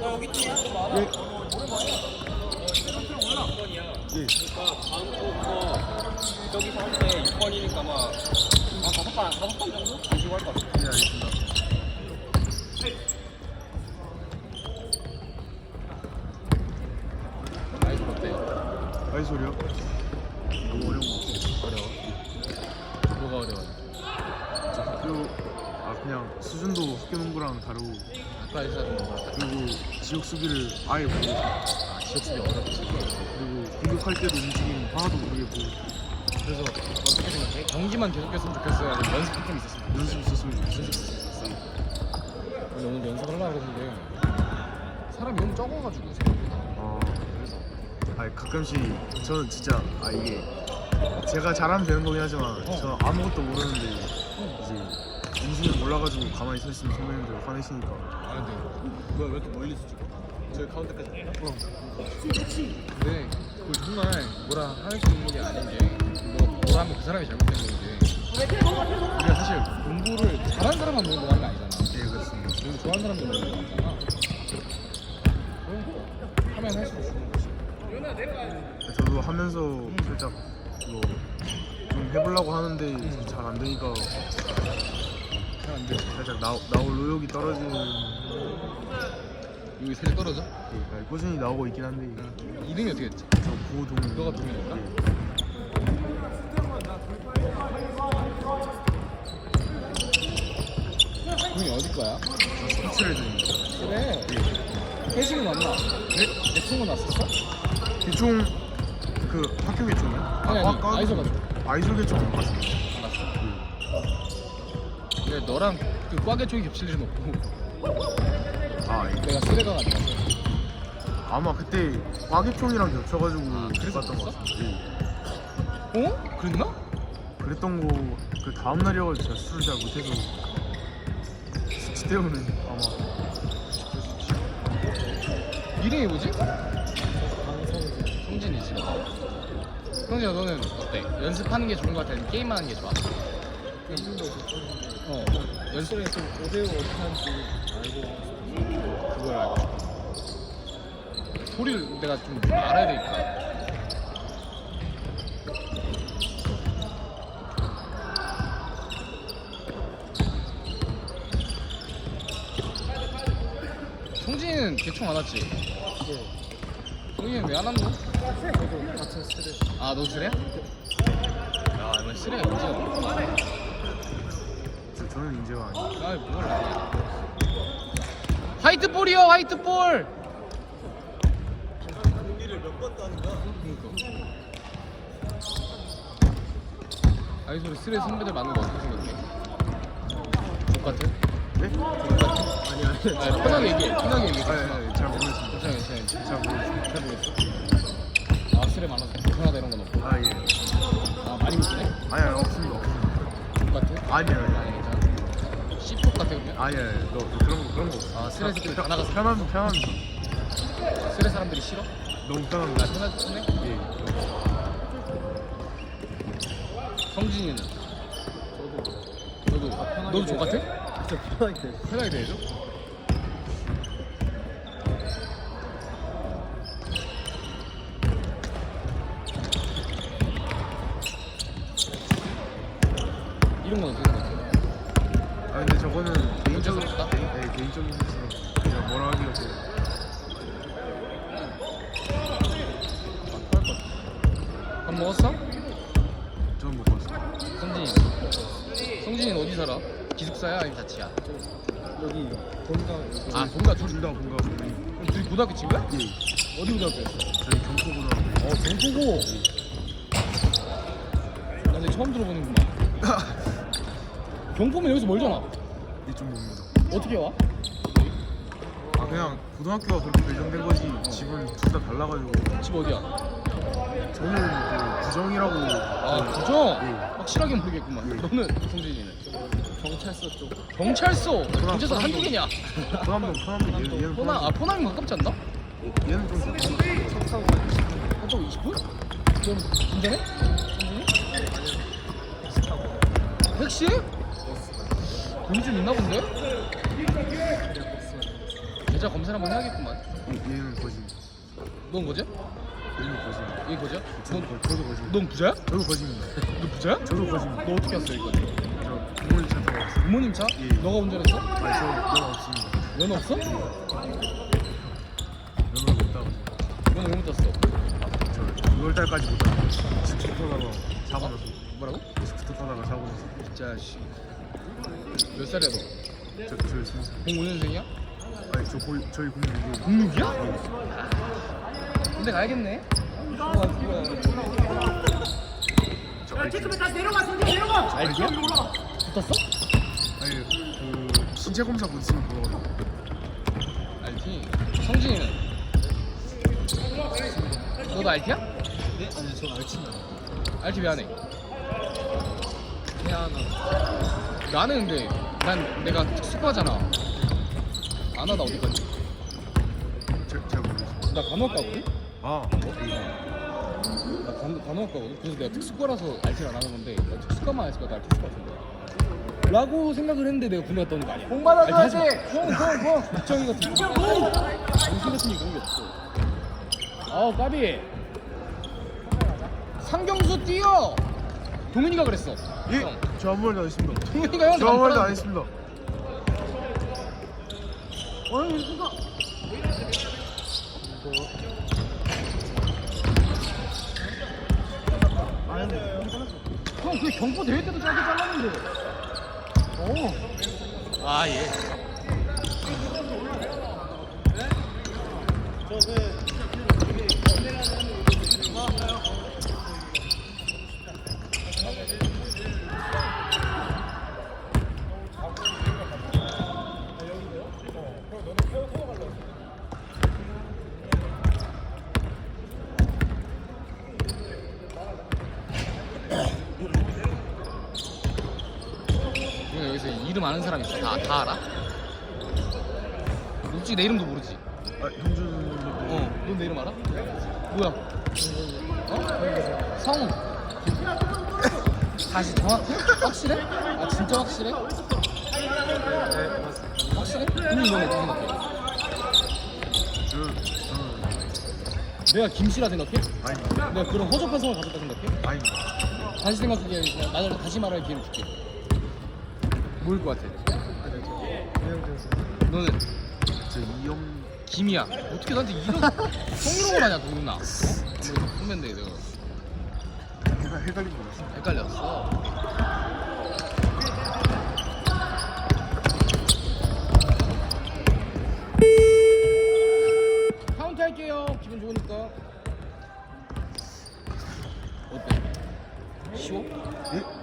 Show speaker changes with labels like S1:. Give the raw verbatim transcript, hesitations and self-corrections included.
S1: 예. 그러니까 다음 주부터 저기서 할 때 육 번이니까 막 한 다섯 번, 다섯 번 정도? 안 쉬고 할 것 같아요.
S2: 네, 알겠습니다.
S3: 아이돌 어때요?
S2: 아이솔이요? 너무 어려운 것 같아요.
S3: 어려워? 뭐가 어려워요?
S2: 저 학교 아 그냥 수준도 학교 농구랑 다르고
S3: 아까 했었던 거랑
S2: 그리고 지역 수비를 아예 모르고
S3: 아, 지역 수비 어렵지.
S2: 그리고 공격할 때도 움직임 하나도 모르겠고
S3: 그래서 어떻게 생각해? 경기만 계속했으면 좋겠어요? 아니면 연습 좀 있었으면 좋겠어요?
S2: 연습 있었으면 좋겠어요.
S3: 연습 있었어. 오늘 오늘 연습을 하려고 했는데 사람이 너무 적어가지고 생각보다.
S2: 아, 아니 가끔씩 저는 진짜 아 이게 제가 잘하면 되는 거긴 하지만
S3: 어.
S2: 저는 아무것도 모르는데 이제 인수는 몰라가지고 가만히 서 있으면 선배님들 화내시니까
S3: 아 근데
S1: 뭐야, 왜 이렇게 멀리서 찍어? 저기 가운데까지 할까?
S3: 근데 그걸 정말 뭐라 할 수 있는 게 아닌 게 뭐, 뭐라 하면 그 사람이 잘못된 건데 우리가 사실 공부를 잘하는 사람만 모이는 거 하는 거 아니잖아.
S2: 네 그렇습니다.
S3: 공부 좋아하는 사람들 모이는 거 아니잖아. 그러니까 하면 할수록 좋은 거지.
S2: 저도 하면서 살짝 이거 좀 해보려고 하는데 잘 안 되니까
S3: 잘 안 돼.
S2: 살짝 나, 나올 의욕이 떨어지는
S3: 여기 살이 떨어져?
S2: 네, 아니, 꾸준히 나오고 있긴 한데
S3: 이름이 어떻게 했지?
S2: 저 구호동
S3: 너가 동현인가? 동현이 어디 거야?
S2: 저 스포츠를 드립니다.
S3: 그래. 회식은 왔나? 네? 내 친구 났었어?
S2: 개총 그 학교 개총이요?
S3: 아니, 아니,
S2: 과- 과-
S3: 아이솔 가지고.
S2: 아이솔 개총 안 봤습니다.
S3: 안 갔어. 근데 너랑 그 과계 쪽이 겹칠 일은 없고
S2: 아 예.
S3: 내가 수레가 아니라서.
S2: 아마 그때 과개총이랑 겹쳐가지고
S3: 아, 그래서
S2: 봤던 것
S3: 봤어?
S2: 같아요. 예.
S3: 어? 그랬나?
S2: 그랬던 거 그 다음 날이어가지고 제가 술을 잘 못해서 숙취 때문에 아마
S3: 이름이 뭐지? 성진이지. 성진아 너는 어때? 연습하는 게 좋은 거 같아? 아니면 게임하는 게 좋아? 어 연습에 좀 오대오 어떻게 하는지 알고 그걸 알고 싶어. 소리를 내가 좀 알아야 되니까. 성진이는 대충 안 왔지? 네. 성진이는 왜 안 왔노?
S1: 저도 같은 스트레스.
S3: 아, 너 쓰레야? 야, 이번 쓰레가 인지가 없어.
S2: 저, 저는 인재가 아니에요.
S3: 아, 뭘 아냐. 화이트볼이요, 화이트볼!
S1: 공기를 몇 번 따는 거야?
S3: 그니까. 아이솔 쓰레 선배들 많은 거 어떻게 생각해? 똑같아?
S2: 네?
S1: 아니, 아니.
S3: 아, 편하게 얘기해, 편하게 얘기해.
S2: 아, 예, 예, 잘 모르겠습니다.
S3: 괜찮아, 괜찮아.
S2: 잘 모르겠습니다.
S3: 잘 모르겠어. 아, 쓰레 많아서 불편하다 이런 건 없고.
S2: 아 예.
S3: 아, 많이 못쓰네?
S2: 아니 아니 없습니다. 없습니다.
S3: 똑같아?
S2: 아니 아니
S3: 아니, 괜찮아. 씨폭 같아, 그냥.
S2: 아니 아니 너, 너 그런 거 그런 거 없어.
S3: 아, 쓰레 새끼들 다 나가서.
S2: 편한 편합니다.
S3: 쓰레 사람들이 싫어?
S2: 너무
S3: 나
S2: 편합니다.
S3: 편하지, 편해?
S2: 예.
S3: 성진이는? 저도. 너도? 너도 똑같아?
S1: 진짜 편하게 돼.
S3: 편하게 대해줘? 이런 건 어떻게 생각해?
S2: 아 근데 저거는 개인적으로
S3: 문제스럽다?
S2: 네 개인적인 것으로 그냥 뭐라 하기가 뭐
S3: 밥 먹었어?
S2: 저는 못 봤어요.
S3: 성진이 성진이는 어디 살아? 기숙사야? 아니면 자취야?
S1: 여기 본가.
S3: 아 본가 둘
S2: 둘 다 본가 보니
S3: 그럼 둘이 고등학교 친구야?
S2: 예.
S3: 어디 고등학교였어?
S2: 저희 경포고등학교.
S3: 어 경포고 나 근데 처음 들어보는구만 경포면 여기서 멀잖아
S2: 이쪽 봅니다.
S3: 어떻게 와?
S2: 아 그냥 고등학교가 그렇게 배정된 거지 집은 둘 다 달라가지고
S3: 집 어디야?
S2: 저는 그 부정이라고
S3: 아
S2: 그-
S3: 부정?
S2: 예.
S3: 확실하게 모르겠구만
S2: 예.
S3: 너는 성진이는?
S1: 경찰서 쪽.
S3: 경찰서! 경찰서
S2: 포남-
S3: 한두 개냐?
S2: 포남동 포남동 얘는 얘는
S3: 포남, 아 포남이 가깝지 않나?
S2: 얘는 좀
S1: 차 타고 가야지.
S3: 한쪽 이십 분? 그럼 운전해? 성진이?
S1: 택시 타고.
S3: 택시? 돈이 좀 있나 본데?
S1: 그래, 버스가 되겠어.
S3: 계좌 검사 한번 해야겠구만.
S2: 얘, 얘는 거지.
S3: 넌 거지야?
S2: 얘는 거지.
S3: 얘 거지야?
S2: 저도, 거, 저도 거지.
S3: 넌 부자야?
S2: 저도 거지입니다.
S3: 너 부자야?
S2: 저도 거지입니다.
S3: 너 어떻게 왔어 여기까지?
S2: 저 부모님 차 타고 왔어요.
S3: 부모님 차?
S2: 예.
S3: 너가 운전했어?
S2: 아니 저 면허 없습니다.
S3: 면허 없어?
S2: 면허가 없다고.
S3: 면허 왜 못 땄어?
S2: 저 유월 달까지 못 타고 스쿠터 타다가 사고 나서
S3: 뭐라고?
S2: 스쿠터 타다가 사고 나서
S3: 진짜 씨. 몇 살이야 너?
S2: 저, 저 스무 살.
S3: 공오 년생이야?
S2: 아니 저 거의 저희 공무원이고
S3: 공육이야? 군대 가야겠네. 좋아 좋아.
S2: 저 아이티
S3: 알지야? 붙었어?
S2: 아니 그 신체 검사 못 쓰는 그거
S3: 알티. 성진이는? 너도 알티야?
S2: 네? 아니 저 알티입니다.
S3: 알티 왜 안 해?
S2: 해야 하나
S3: 나는 근데 난 내가 특수과잖아. 안 하다 어디 갔지?
S2: 잘, 잘 모르겠어요.
S3: 나 간호학과거든?
S2: 아 어?
S3: 나 간, 간호학과거든? 그래서 내가 특수과라서 알티를 안 하는 건데 나 특수과만 했을 거야. 나 알티 했을 것 같은데 라고 생각을 했는데 내가 군대 갔다 오는 거 아니야. 공 받아줘야지! 공! 공! 공! 국정이 같은 거 정신 같은 게 그런 게 없어. 아우 까비. 상경수 뛰어! 동현이가 그랬어.
S2: 예?
S3: 형.
S2: 저 아무 말도 안 했습니다.
S3: 동현이가 형한테
S2: 저 아무 말도 안
S3: 말하는데.
S2: 했습니다.
S3: 어이 이거 형, 그 경포 대회 때도 짧게 잘랐는데. 오. 아 예. 형 여기서 이름 아는 사람 있어? 다, 다 알아? 솔직히 내 이름도 모르지?
S2: 아 형준님도
S3: 어, 넌 내 이름 알아? 뭐야? 어? 성우. 다시 정확해? 확실해? 아 진짜 확실해? 확실해? 그럼 넌 어떻게 생각해?
S2: 저 저는
S3: 내가 김씨라 생각해?
S2: 아닙니다.
S3: 내가 그런 허접한 성을 가졌다 생각해?
S2: 아닙니다.
S3: 다시 생각하기에 그냥 나를 다시 말할 기회를 줄게. 뭐일 것 같아? 너는
S2: 저 이영
S3: 김이야. 어떻게 나한테 이런 성희롱을 하냐 누구나? 어? 우리 선배인데 내가
S2: 해가 헷갈린 거 같습니다.
S3: 헷갈렸어. 카운트 할게요. 기분 좋으니까. 어때? 쉬워?
S2: 예?